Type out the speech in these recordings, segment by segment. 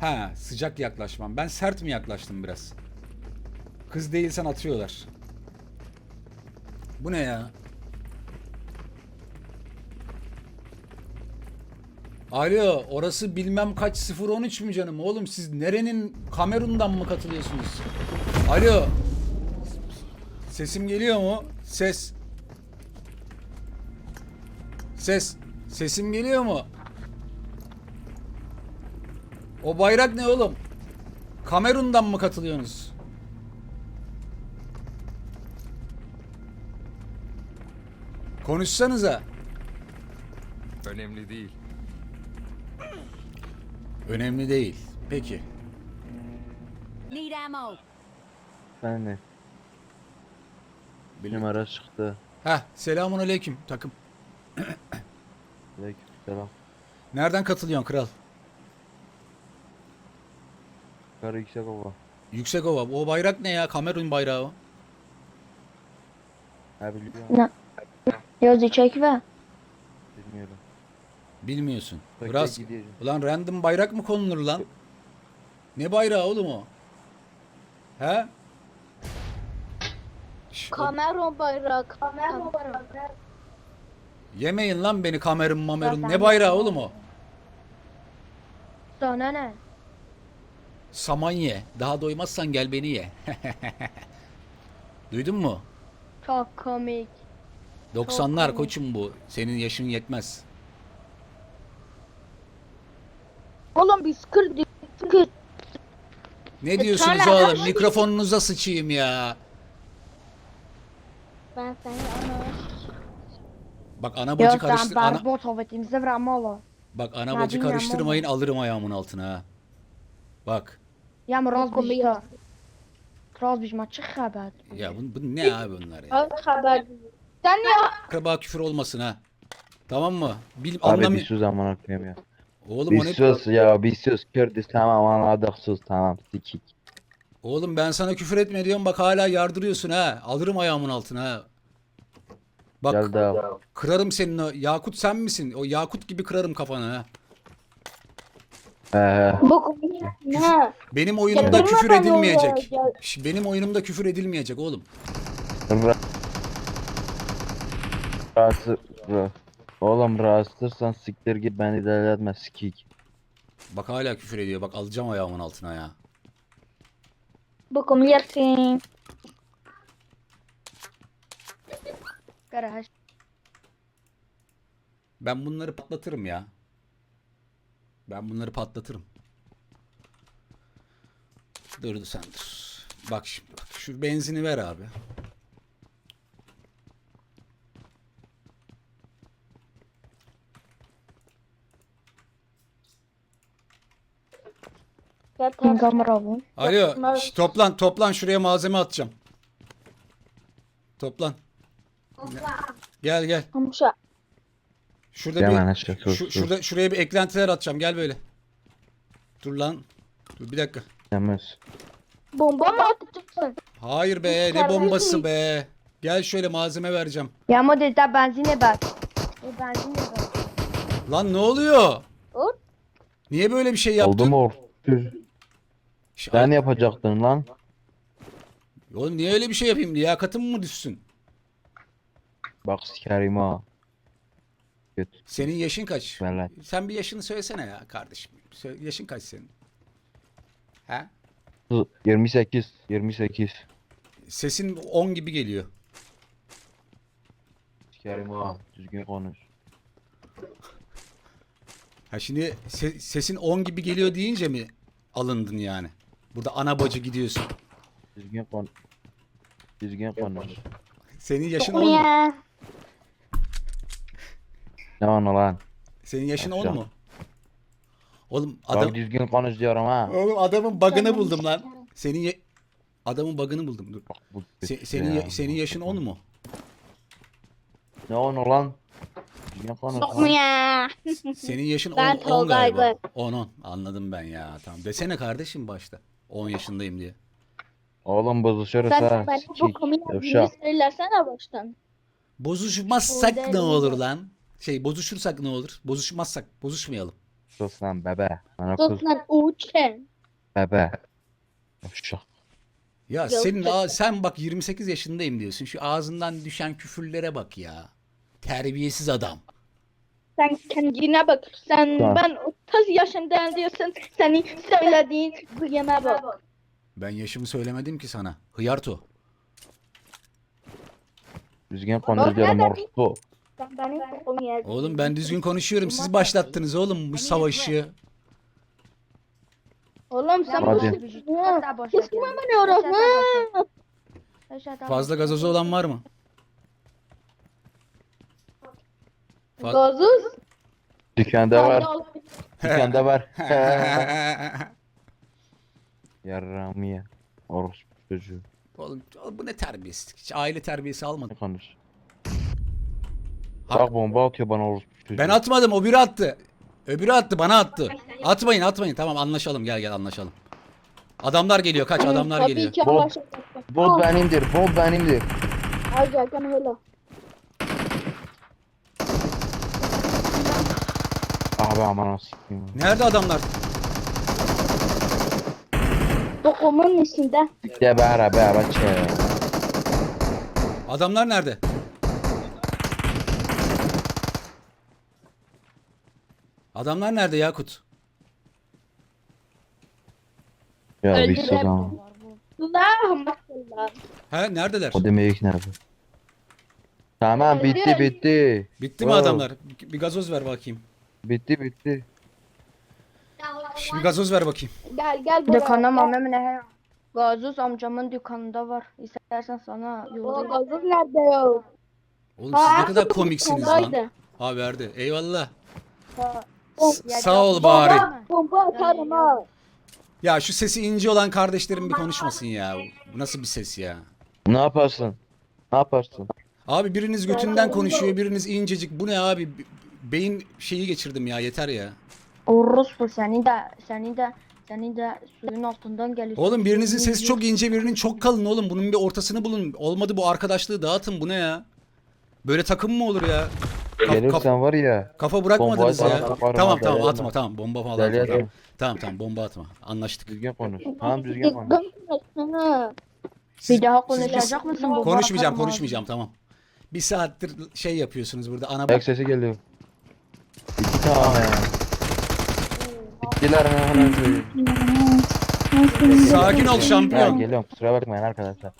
Ha, sıcak yaklaşmam. Ben sert mi yaklaştım biraz? Kız değilsen atıyorlar. Bu ne ya? Alo, orası bilmem kaç 013 mü canım? Oğlum siz nerenin, Kamerun'dan mı katılıyorsunuz? Alo. Sesim geliyor mu? Ses. Ses. Sesim geliyor mu? O bayrak ne oğlum? Kamerun'dan mı katılıyorsunuz? Konuşsanıza. Önemli değil. Önemli değil. Peki. Need ammo. Ben de. Bil- Numara çıktı. Heh, selamun aleyküm takım. Aleykümselam. Nereden katılıyorsun kral? Yukarı yüksek ova. Yüksekova. O bayrak ne ya? Kamerun bayrağı o. Ha biliyorum. Ne? Yazı çek ve. Bilmiyorum. Bilmiyorsun. Bak, Biraz. ben gideceğim. Ulan random bayrak mı konulur lan? Ne bayrağı oğlum o? He? Kamerun bayrağı. Kamerun bayrağı. Yemeyin lan beni Kamerun mamerun. Ya Ne ben- bayrağı oğlum o? Sana ne? Saman ye. Daha doymazsan gel beni ye. Duydun mu? Çok komik. 90'lar komik. koçum bu. Senin yaşın yetmez. Oğlum biz kırdık. Ne diyorsunuz Çağlar, oğlum? Mikrofonunuza sıçayım ya. Ben seni ana. Bak ana bacı Yok sen karıştır. Ana... barbot hovetimize vramolo. Bak ana Ya bacı bilmem karıştırmayın alırım ayağımın altına ha. Bak. Ya mraz bizde. Mraz biz maçı haber. Ya bu ne abi bunlar ya? Haber. Sen ya. Akraba küfür olmasın ha. Tamam mı? Bil Abi anlamı. bir sus aman okuyayım ya. Oğlum o Bir ne? sus ya bir sus. Kürdüz tamam anladık sus tamam sikik. Oğlum ben sana küfür etme diyorum bak hala yardırıyorsun ha. Alırım ayağımın altına ha. Bak Gel daha. kırarım senin o. Yakut sen misin? O Yakut gibi kırarım kafanı ha. Bu komik. Ne? Benim oyunumda Yardırma küfür beni edilmeyecek. ya. Benim oyunumda küfür edilmeyecek oğlum. Rahatsız. Oğlum rahatsızsan siktir git beni deli sikik. Bak hala küfür ediyor. Bak alacağım ayağımın altına ya. Bu komik yersin. Garaj. Ben bunları patlatırım ya. Ben bunları patlatırım. Dur sen dur. Bak şimdi bak. Şu benzini ver abi. Kamera bu. Alo. Toplan şuraya malzeme atacağım. Toplan. Gel. Hamşa. Şurada Hemen bir aşağı sus. şuraya bir eklentiler atacağım. Gel böyle. Dur lan. Dur bir dakika. Temiz. Bomba mı atacaksın? Hayır be, ne bombası be. Gel şöyle malzeme vereceğim. Ya model da benzine bak. Benzine bak. Lan ne oluyor? Dur. Niye böyle bir şey yaptın? Oldu mu Sen yapacaktın lan. Oğlum niye öyle bir şey yapayım? Liyakatım mı düşsün? Bak sikerim ha. Kötü. Senin yaşın kaç? Vallahi. Sen bir yaşını söylesene ya kardeşim. Yaşın kaç senin? He? 28. 28. Sesin 10 gibi geliyor. Sikerim ha. Düzgün konuş. Ha şimdi sesin 10 gibi geliyor deyince mi alındın yani? Burada ana bacı gidiyorsun. Düzgün konuş. Düzgün konuş. Senin yaşın 10 mu? Ya. Ne onu lan? Senin yaşın 10 Yaşa. mu? Oğlum Bak düzgün konuş diyorum ha. Oğlum adamın bug'ını buldum lan. Adamın bug'ını buldum. Dur. Bak bu kötü Senin ya. senin yaşın 10 mu? Ne onu lan? Düzgün konuş Yok mu lan. ya? Senin yaşın 10, Ben 10 galiba. Tolga'ydım. 10 anladım ben ya. Tamam. Desene kardeşim başta. 10 yaşındayım diye. Oğlum bozuşuruz Sen ha. ben bu Sikik. komik Yavşak. söylersene baştan. Bozuşmazsak Orada ne değil olur mi? lan? Bozuşursak ne olur? Bozuşmazsak, bozuşmayalım. sus lan bebe. Bana Sus kız lan uçen. bebe. Uşak. Ya Yok, senin çok- sen bak 28 yaşındayım diyorsun. Şu ağzından düşen küfürlere bak ya. Terbiyesiz adam. Sen kendine bak. Sen Tamam. ben 30 yaşındayım diyorsun. Senin söylediğin duyana bak. Ben yaşımı söylemedim ki sana. Hıyarto. Düzgün konuş diyorum orospu. Sen benim kokumu yedin. Oğlum ben düzgün konuşuyorum. Siz başlattınız oğlum bu savaşı. Oğlum sen Hadi. Kısma beni orası. Fazla gazozu olan var mı? Gazuz. Dükkanda var. Dükkanda var. Yarrağımı ye. Orospu çocuğu. Oğlum bu ne terbiyesizlik? Hiç aile terbiyesi almadım. Ne konuş? Ha- Bak bomba atıyor bana orospu çocuğu. Ben atmadım, o biri attı. Öbürü attı, bana attı. Atmayın. Tamam anlaşalım. Gel anlaşalım. Adamlar geliyor. Kaç adamlar Tabii geliyor. ki Bot. anlaşıldı. Bot benimdir. Bot benimdir. Hadi gel hele. Abi aman sikeyim. Nerede adamlar? Dokumun içinde. De beraber çe. Adamlar nerede? Adamlar nerede Yakut? Ya bir Öldürelim. sus ama. Allah'ım Allah. He neredeler? O demek nerede? Tamam bitti bitti. Bitti mi Wow. adamlar? Bir gazoz ver bakayım. Bitti. Bir gazoz ver bakayım. Gel buraya. Dükkanda mamam ne? Gazoz amcamın dükkanında var. İstersen sana O yollayayım. gazız nerede ya? Oğlum siz ne kadar komiksiniz lan. Ha verdi. Eyvallah. Sağ ol bari. Bomba atarım ha. Ya şu sesi ince olan kardeşlerim bir konuşmasın ya. Bu nasıl bir ses ya? Ne yaparsın? Ne yaparsın? Abi biriniz götünden konuşuyor, biriniz incecik. Bu ne abi? Beyin şeyi geçirdim ya, yeter ya. Orospu seni de suyun altından geliyorsun. Oğlum birinizin sesi çok ince, birinin çok kalın oğlum. Bunun bir ortasını bulun. Olmadı bu arkadaşlığı dağıtın. Bu ne ya? Böyle takım mı olur ya? Gelirsen var ya. Kafa bırakmadınız bombayı ya. sana atarım Tamam abi, tamam gelme. atma tamam. Bomba falan Deli atma. adam. Tamam bomba atma. Anlaştık. Düzgün konuş. Tamam düzgün konuş. Bir daha konuşacak mısın? Bomba Konuşmayacağım atarım tamam. Bir saattir şey yapıyorsunuz burada. Ana Ayak sesi geliyor. İki tane. Bittiler mi hemen söyleyeyim. sakin ol Ya şampiyon. geliyorum kusura bakmayın arkadaşlar.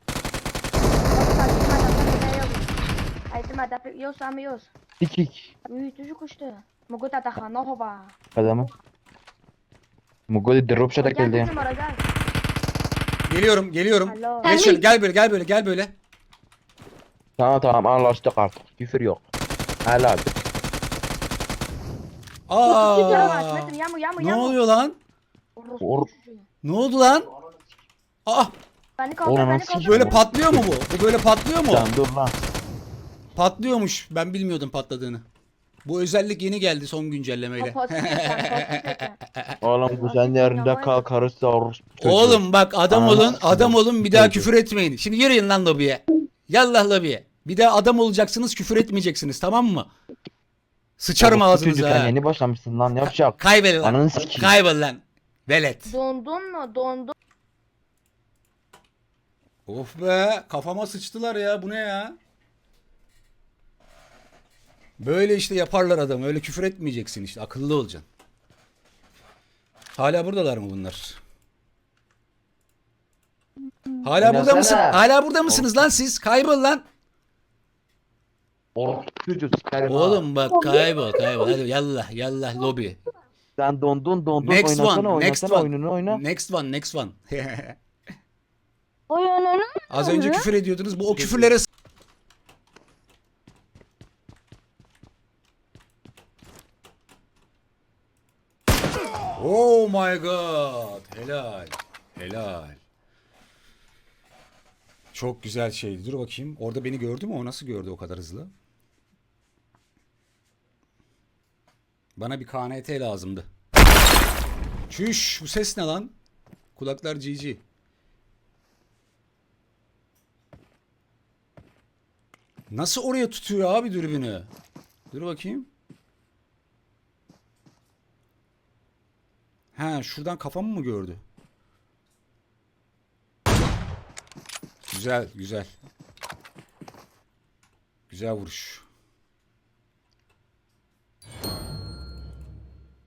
Aitem ada yos ama yos. Dikik. Uy çocuk işte. Mogu tatahana hova. Adamı. Mugoli drop shot'a Gel geldi. bizim ara gel. Geliyorum. Alo. Geç şöyle, gel böyle. Tamam anlaştık artık. Küfür yok. Helal. Aa! Ne oluyor lan? Or Ne oldu lan? Aa! Beni kaldır Oğlum, beni nasıl kaldır. Böyle patlıyor mu bu? Bu böyle patlıyor mu? sen dur lan. Patlıyormuş. Ben bilmiyordum patladığını. Bu özellik yeni geldi son güncellemeyle. Kapatsın sen. Oğlum bu senin yerinde kal karısı orospu çocuğu. Oğlum bak adam olun, Anasını adam olun bir daha çocuğu. küfür etmeyin. Şimdi yürüyün lan lobiye. Yallah lobiye. Bir daha adam olacaksınız, küfür etmeyeceksiniz, tamam mı? Sıçarım Orospu çocuk, ağzınıza sen ha. yeni başlamışsın lan yapacak. Kaybol lan. Ananı sikeyim. Kaybol lan. Velet. Dondun mu? Dondun. Of be, kafama sıçtılar ya. Bu ne ya? Böyle işte yaparlar adamı. Öyle küfür etmeyeceksin işte. Akıllı olacaksın. Hala buradalar mı bunlar? Hala burada Oynasana. mısın? Hala burada mısınız lan siz? Kaybol lan. Orospu çocuğu sikerim ha. Oğlum bak kaybol. Hadi yallah lobi. Sen dondun Next oynasana one, next oynasana one. oyununu oyna. Next one. Oyununu Az önce küfür ediyordunuz. Bu o küfürlere Oh my god. Helal. Çok güzel şeydi. Dur bakayım. Orada beni gördü mü? O nasıl gördü o kadar hızlı? Bana bir KNT lazımdı. Çüş. Bu ses ne lan? Kulaklar GG. Nasıl oraya tutuyor abi dürbünü? Dur bakayım. He şuradan kafamı mı gördü? Güzel güzel. Güzel vuruş.